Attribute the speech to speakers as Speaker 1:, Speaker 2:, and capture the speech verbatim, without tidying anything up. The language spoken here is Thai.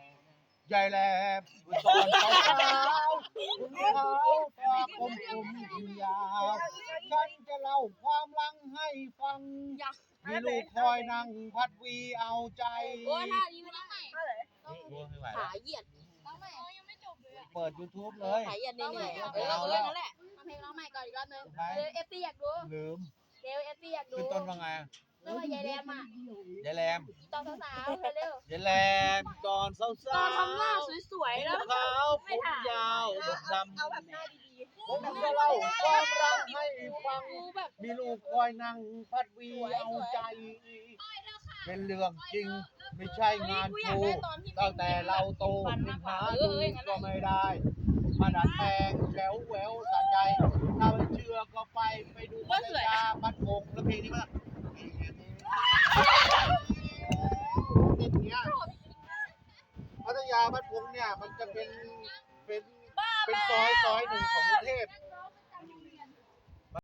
Speaker 1: ใหญ่แหลมตอนเช้าเช้าคุณเขาตาคมคมยิงยาวฉันจะเล่าความลังให้ฟังมีลูกคอยนั่งพัดวีเอาใจ
Speaker 2: โอ้ท่านี้ไม่ได้ต้อง
Speaker 1: ไม่ไหว
Speaker 2: ขาเหยียด
Speaker 3: ต้องใหม่ยังไม่จบเลยอะ
Speaker 1: เปิด YouTube เลย
Speaker 2: ขาเหยียดนี่นี่เออเอาเรื่องนั้นแหละเอาเพลงร้องใหม่ก่อนอีกรอบนึงเดี๋ยวเอฟซีอยากดู
Speaker 1: ลืม
Speaker 2: เดี๋ยวเอฟซีอยากดู
Speaker 1: ขึ้นต้นว่าไง
Speaker 2: เรื่องว่ายายแรมอ่ะ
Speaker 1: ยายแรม
Speaker 2: ตอนสาวๆเร็วย
Speaker 1: ายแรมตอนสาวๆ
Speaker 2: ๆตอนทำหน้าสวยๆแล้ว
Speaker 1: ขาวผมยาวดำ
Speaker 2: เอาแบบหน้าดี
Speaker 1: ผมจะเล่าความรักให้ฟัง
Speaker 2: ๆดูแบบ
Speaker 1: มีลูกคอยนั่งพัดวีเอาใจ เป็นเรื่องจริงไม่ใช่งาน
Speaker 2: กูอ
Speaker 1: ค
Speaker 2: ยาก
Speaker 1: รู
Speaker 2: ได้ตอนที่
Speaker 1: ตั้งแต่เราโตยังหาดูก็ไม่ได้ มาดัดแปลงแฉวแหววสะใจถ้าไม่เชื่อก็ไปไปดูพัทยาพัดพงแล้วเพลงนี้มั้ยเพลงเนี้ยพัทยาพัดพงเนี่ยมันจะเป็นเป็นเป็นซอยซอยหนึ่งของกรุงเทพ